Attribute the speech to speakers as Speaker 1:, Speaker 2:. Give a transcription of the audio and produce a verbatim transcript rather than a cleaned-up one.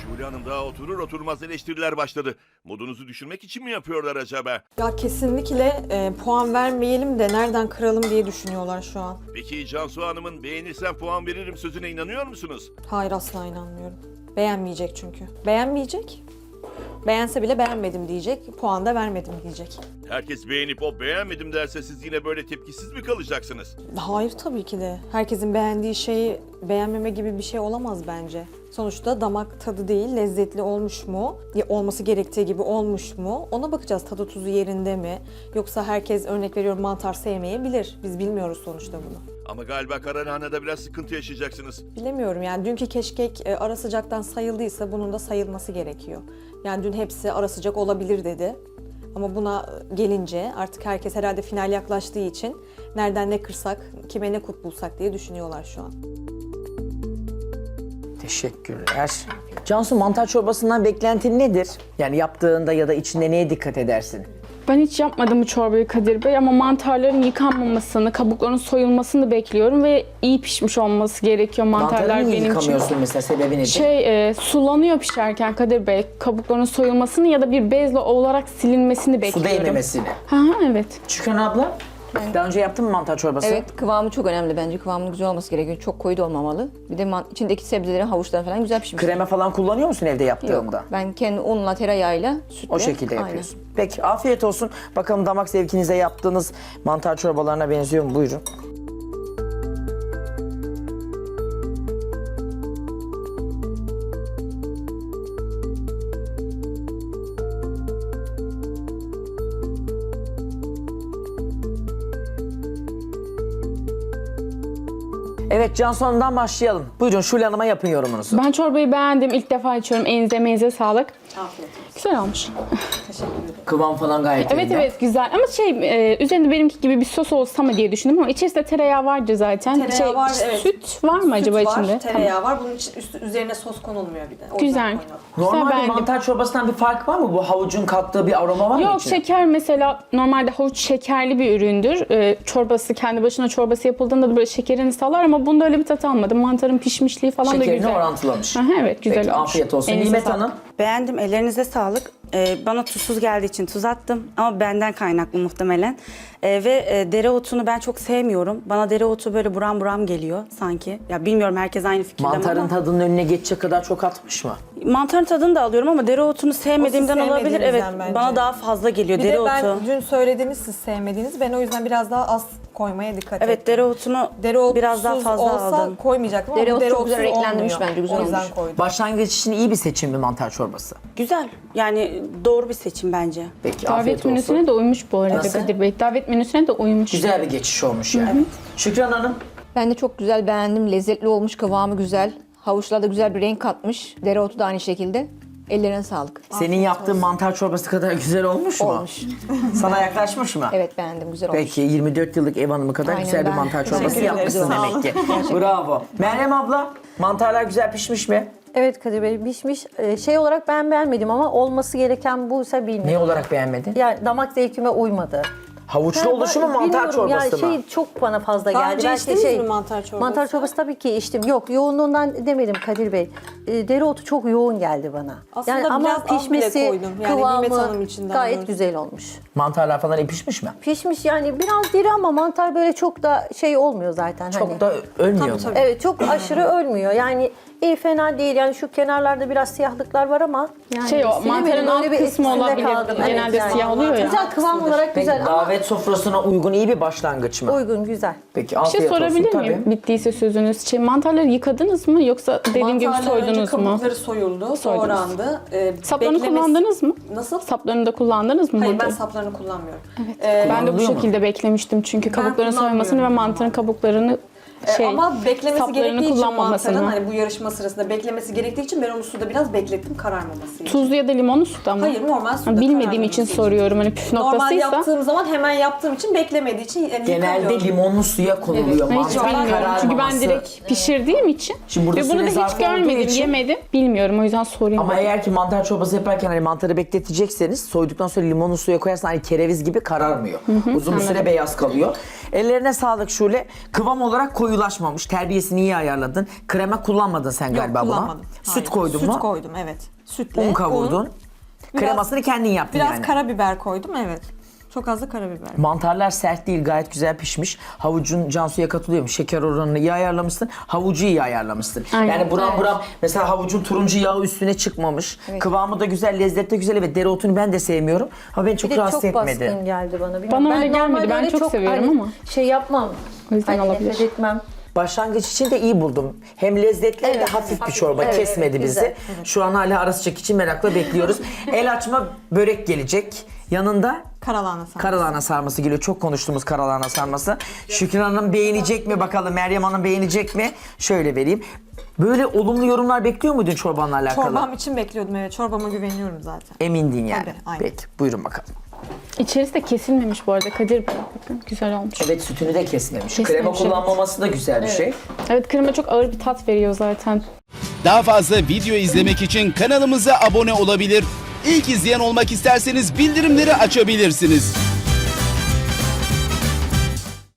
Speaker 1: Şule Hanım daha oturur oturmaz eleştiriler başladı. Modunuzu düşürmek için mi yapıyorlar acaba?
Speaker 2: Ya kesinlikle e, puan vermeyelim de nereden kıralım diye düşünüyorlar şu an.
Speaker 1: Peki Cansu Hanım'ın beğenirsen puan veririm sözüne inanıyor musunuz?
Speaker 2: Hayır, asla inanmıyorum. Beğenmeyecek çünkü. Beğenmeyecek. Beğense bile beğenmedim diyecek. Puan da vermedim diyecek.
Speaker 1: Herkes beğenip o beğenmedim derse siz yine böyle tepkisiz mi kalacaksınız?
Speaker 2: Hayır, tabii ki de. Herkesin beğendiği şeyi beğenmeme gibi bir şey olamaz bence. Sonuçta damak tadı değil, lezzetli olmuş mu? Ya olması gerektiği gibi olmuş mu? Ona bakacağız, tadı tuzu yerinde mi? Yoksa herkes, örnek veriyorum, mantar sevmeyebilir. Biz bilmiyoruz sonuçta bunu.
Speaker 1: Ama galiba kararhanede biraz sıkıntı yaşayacaksınız.
Speaker 2: Bilemiyorum yani, dünkü keşkek e, ara sıcaktan sayıldıysa bunun da sayılması gerekiyor. Yani dün hepsi ara sıcak olabilir dedi. Ama buna gelince artık herkes herhalde final yaklaştığı için nereden ne kırsak, kime ne kut bulsak diye düşünüyorlar şu an.
Speaker 3: Teşekkürler. Cansu, mantar çorbasından beklentin nedir? Yani yaptığında ya da içinde neye dikkat edersin?
Speaker 4: Ben hiç yapmadım bu çorbayı Kadir Bey ama mantarların yıkanmamasını, kabukların soyulmasını bekliyorum ve iyi pişmiş olması gerekiyor mantarlar
Speaker 3: Mantarı niye
Speaker 4: benim için.
Speaker 3: yıkamıyorsun mesela, sebebi nedir?
Speaker 4: Şey, e, sulanıyor pişerken Kadir Bey. Kabukların soyulmasını ya da bir bezle olarak silinmesini
Speaker 3: Su
Speaker 4: bekliyorum.
Speaker 3: değmemesini.
Speaker 4: Ha, evet.
Speaker 3: Şükran abla, daha önce yaptın mı mantar çorbası?
Speaker 5: Evet, kıvamı çok önemli bence. Kıvamının güzel olması gerekiyor. Çok koyu da olmamalı. Bir de man- içindeki sebzelerin, havuçların falan güzel pişmiş.
Speaker 3: Krema falan kullanıyor musun evde yaptığında?
Speaker 5: Yok. Ben kendi unla, tereyağıyla, sütle.
Speaker 3: O şekilde
Speaker 5: Aynen.
Speaker 3: yapıyorsun. Peki, afiyet olsun. Bakalım damak zevkinize yaptığınız mantar çorbalarına benziyor mu? Buyurun. Evet, Cansu Hanım'dan başlayalım. Buyurun, Şule Hanım'a yapın yorumunuzu.
Speaker 4: Ben çorbayı beğendim. İlk defa içiyorum. Elinize emeğinize sağlık.
Speaker 2: Afiyet olsun.
Speaker 4: Güzel olmuş.
Speaker 3: Kıvam falan gayet
Speaker 4: Evet
Speaker 3: yerinde.
Speaker 4: evet güzel ama şey e, üzerinde benimki gibi bir sos olsa mı diye düşündüm ama içerisinde tereyağı vardı zaten.
Speaker 2: Tereyağı
Speaker 4: şey,
Speaker 2: var, evet.
Speaker 4: Süt var mı acaba
Speaker 2: Süt
Speaker 4: içinde?
Speaker 2: var, tereyağı var. Bunun için üstü, üzerine sos konulmuyor bir de. O yüzden
Speaker 4: Güzel.
Speaker 2: koymadım.
Speaker 3: Normalde
Speaker 4: Güzel, beğendim.
Speaker 3: mantar çorbasından bir fark var mı? Bu havucun kattığı bir aroma var mı
Speaker 4: Yok,
Speaker 3: içinde?
Speaker 4: şeker mesela normalde havuç şekerli bir üründür. Ee, çorbası kendi başına çorbası yapıldığında da böyle şekerini sağlar ama bunda öyle bir tat almadım. Mantarın pişmişliği falan da
Speaker 3: Şekerini
Speaker 4: güzel.
Speaker 3: orantılamış.
Speaker 4: Aha, evet güzel
Speaker 3: Peki,
Speaker 4: olmuş.
Speaker 3: afiyet olsun.
Speaker 4: Elinize
Speaker 3: Nimet
Speaker 4: sağlık.
Speaker 3: Hanım.
Speaker 6: Beğendim, ellerinize sağlık. Ee, bana tuzsuz geldiği için tuz attım ama benden kaynaklı muhtemelen. Ee, ve e, dereotunu ben çok sevmiyorum. Bana dereotu böyle buram buram geliyor sanki. Ya bilmiyorum, herkes aynı fikirde mi
Speaker 3: Mantarın
Speaker 6: ama.
Speaker 3: tadının önüne geçecek kadar çok atmış mı?
Speaker 6: Mantarın tadını da alıyorum ama dereotunu sevmediğimden
Speaker 2: O siz
Speaker 6: olabilir. Evet,
Speaker 2: sevmediğinizden bence.
Speaker 6: bana daha fazla geliyor
Speaker 2: Bir
Speaker 6: dereotu.
Speaker 2: de ben dün söylediğiniz siz sevmediğiniz. Ben o yüzden biraz daha az koymaya dikkat ettim.
Speaker 6: Evet, dereotunu
Speaker 2: Dereotsuz
Speaker 6: biraz daha fazla
Speaker 2: olsa
Speaker 6: aldım.
Speaker 2: koymayacaktım ama
Speaker 5: Dereotu
Speaker 2: bu
Speaker 5: çok güzel
Speaker 2: dereotsuz
Speaker 5: renklendirmiş
Speaker 2: olmuyor.
Speaker 5: bence, güzel
Speaker 2: O yüzden
Speaker 5: olmuş.
Speaker 2: koydum.
Speaker 3: Başlangıç için iyi bir seçim mi mantar çorbası?
Speaker 6: Güzel, yani doğru bir seçim bence.
Speaker 3: Peki, afiyet
Speaker 4: Davet
Speaker 3: olsun.
Speaker 4: menüsüne de uymuş bu arada
Speaker 3: Nasıl?
Speaker 4: Kadir Bey. Davet menüsüne de uymuş.
Speaker 3: Güzel bir geçiş olmuş yani. Şükran Hanım.
Speaker 5: Ben de çok güzel beğendim. Lezzetli olmuş, kıvamı güzel. Havuçlar da güzel bir renk katmış. Dereotu da aynı şekilde. Ellerine sağlık.
Speaker 3: Senin yaptığın mantar çorbası kadar güzel olmuş mu?
Speaker 5: Olmuş.
Speaker 3: Sana yaklaşmış mı?
Speaker 5: Evet, beğendim, güzel olmuş.
Speaker 3: Peki, yirmi dört yıllık ev hanımı kadar
Speaker 5: Aynen,
Speaker 3: güzel bir
Speaker 5: ben-
Speaker 3: mantar çorbası
Speaker 5: Teşekkür ederim.
Speaker 3: yapmışsın
Speaker 5: Sağ
Speaker 3: demek ki. Bravo. Meryem abla, mantarlar güzel pişmiş mi?
Speaker 7: Evet Kadir Bey, pişmiş. Ee, Şey olarak ben beğenmedim ama olması gereken buysa bilmiyorum.
Speaker 3: Ne olarak beğenmedin?
Speaker 7: Yani damak zevkime uymadı.
Speaker 3: Havuçlu oluşu mu, mantar
Speaker 7: Bilmiyorum,
Speaker 3: çorbası
Speaker 7: yani
Speaker 3: mı?
Speaker 7: şey çok bana fazla
Speaker 2: Daha
Speaker 7: geldi.
Speaker 2: önce
Speaker 7: Belki
Speaker 2: içtiniz
Speaker 7: şey,
Speaker 2: mi mantar çorbası?
Speaker 7: Mantar çorbası tabii ki içtim. Yok, yoğunluğundan demedim Kadir Bey. Ee, dereotu çok yoğun geldi bana.
Speaker 2: Aslında biraz az bile koydum. Yani Nimet Hanım için daha
Speaker 7: gayet
Speaker 2: doğrusu.
Speaker 7: güzel olmuş.
Speaker 3: Mantarlar falan iyi pişmiş mi?
Speaker 7: Pişmiş yani, biraz diri ama mantar böyle çok da şey olmuyor zaten.
Speaker 3: Çok
Speaker 7: hani.
Speaker 3: da ölmüyor mu?
Speaker 7: Evet, çok aşırı ölmüyor. Yani iyi, fena değil. Yani şu kenarlarda biraz siyahlıklar var ama yani
Speaker 4: Şey o,
Speaker 7: silemedim,
Speaker 4: mantarın alt
Speaker 7: öyle bir
Speaker 4: kısmı
Speaker 7: etkisinde
Speaker 4: olabilir.
Speaker 7: kaldım. Evet,
Speaker 4: Genelde
Speaker 7: yani.
Speaker 4: siyah oluyor ya.
Speaker 7: Güzel, kıvam olarak
Speaker 3: Peki,
Speaker 7: güzel ama
Speaker 3: davet sofrasına uygun iyi bir başlangıç mı?
Speaker 7: uygun, güzel.
Speaker 3: Peki,
Speaker 4: Bir şey
Speaker 3: afiyet
Speaker 4: sorabilir
Speaker 3: olsun.
Speaker 4: miyim?
Speaker 3: Tabii.
Speaker 4: Bittiyse sözünüz. Şey, mantarları yıkadınız mı yoksa dediğim gibi
Speaker 2: Mantarlar önce
Speaker 4: soydunuz mu?
Speaker 2: kabukları soyuldu,
Speaker 4: Soydunuz.
Speaker 2: doğrandı. Ee,
Speaker 4: Saplarını
Speaker 2: beklemesi-
Speaker 4: kullandınız mı?
Speaker 2: Nasıl?
Speaker 4: Saplarını da kullandınız mı?
Speaker 2: Hayır,
Speaker 4: burada?
Speaker 2: ben saplarını kullanmıyorum.
Speaker 4: Evet. ben de bu
Speaker 3: Kullanılıyor mu?
Speaker 4: şekilde beklemiştim çünkü kabukların soymasını ve
Speaker 2: kullanmıyorum.
Speaker 4: mantarın kabuklarını
Speaker 2: Ee,
Speaker 4: şey
Speaker 2: ama beklemesi
Speaker 4: saplarını
Speaker 2: gerektiği için
Speaker 4: kullanmamasını.
Speaker 2: mantarın, hani bu yarışma sırasında beklemesi gerektiği için ben onu suda biraz beklettim kararmaması için.
Speaker 4: Tuzlu ya da limonlu suda mı?
Speaker 2: Hayır, normal suda
Speaker 4: Ha, bilmediğim
Speaker 2: kararmaması
Speaker 4: için soruyorum. Hani püf
Speaker 2: Normal
Speaker 4: noktasıysa.
Speaker 2: yaptığım zaman hemen yaptığım için beklemediği için yani
Speaker 3: Genelde
Speaker 2: yıkamıyorum.
Speaker 3: limonlu suya konuluyor
Speaker 4: Ben hiç
Speaker 3: mantar
Speaker 4: bilmiyorum. Çünkü ben
Speaker 3: kararmaması.
Speaker 4: direkt pişirdiğim için.
Speaker 3: Şimdi burada
Speaker 4: ve bunu
Speaker 3: süre
Speaker 4: da
Speaker 3: zarfı
Speaker 4: hiç görmedim,
Speaker 3: olduğu için-
Speaker 4: yemedim. Bilmiyorum, o yüzden sorayım.
Speaker 3: Ama
Speaker 4: dedim.
Speaker 3: eğer ki mantar çorbası yaparken hani mantarı bekletecekseniz soyduktan sonra limonlu suya koyarsan hani kereviz gibi kararmıyor. Uzun bir süre beyaz kalıyor. Ellerine sağlık Şule. Kıvam olarak koyu koyulaşmamış. Terbiyesini iyi ayarladın. Krema kullanmadın sen galiba buna.
Speaker 2: kullanmadım.
Speaker 3: Süt
Speaker 2: Hayır.
Speaker 3: koydun
Speaker 2: Süt
Speaker 3: mu?
Speaker 2: koydum, evet. Sütle.
Speaker 3: Un kavurdun.
Speaker 2: un, biraz-
Speaker 3: Kremasını kendin yaptın
Speaker 2: Biraz
Speaker 3: yani.
Speaker 2: karabiber koydum, evet. Çok az da karabiber.
Speaker 3: Mantarlar sert değil, gayet güzel pişmiş. Havucun, Cansu'ya katılıyorum. Şeker oranını iyi ayarlamışsın. Havucu iyi ayarlamışsın.
Speaker 4: Aynen.
Speaker 3: Yani buram buram mesela havucun turuncu yağı üstüne çıkmış. Kıvamı da güzel, lezzeti de güzel. Evet, dereotunu ben de sevmiyorum. Ama beni çok
Speaker 7: Bir de
Speaker 3: rahatsız
Speaker 7: çok
Speaker 3: etmedi.
Speaker 7: baskın geldi bana. Bilmiyorum.
Speaker 4: Bana öyle gelmedi.
Speaker 7: normalde
Speaker 4: Ben
Speaker 7: öyle
Speaker 4: çok seviyorum ama.
Speaker 7: Şey yapmam.
Speaker 4: O yüzden
Speaker 7: Hani
Speaker 4: olabilir.
Speaker 7: nefret etmem.
Speaker 3: Başlangıç için de iyi buldum. Hem lezzetli hem de
Speaker 7: Evet,
Speaker 3: hafif bir
Speaker 7: hafif.
Speaker 3: çorba.
Speaker 7: Evet,
Speaker 3: Kesmedi
Speaker 7: evet,
Speaker 3: bizi.
Speaker 7: güzel.
Speaker 3: Şu an hala ara sıcak için merakla bekliyoruz. El açma börek gelecek. Yanında
Speaker 2: Karalahana sarması.
Speaker 3: karalahana sarması geliyor. Çok konuştuğumuz karalahana sarması. Şükran Hanım beğenecek mi bakalım? Meryem Hanım beğenecek mi? Şöyle vereyim. Böyle olumlu yorumlar bekliyor muydun çorbanla alakalı?
Speaker 2: Çorbam için bekliyordum, evet. Çorbama güveniyorum zaten.
Speaker 3: Emindin yani.
Speaker 2: Tabii, aynen.
Speaker 3: Peki, buyurun bakalım.
Speaker 4: İçerisi de kesilmemiş bu arada Kadir Bey. Bakın güzel olmuş.
Speaker 3: Evet, sütünü de kesmemiş.
Speaker 4: Kesmemiş,
Speaker 3: Krema
Speaker 4: evet.
Speaker 3: kullanmaması da güzel bir şey.
Speaker 4: Evet, krema çok ağır bir tat veriyor zaten.
Speaker 8: Daha fazla video izlemek için kanalımıza abone olabilir. İlk izleyen olmak isterseniz bildirimleri açabilirsiniz.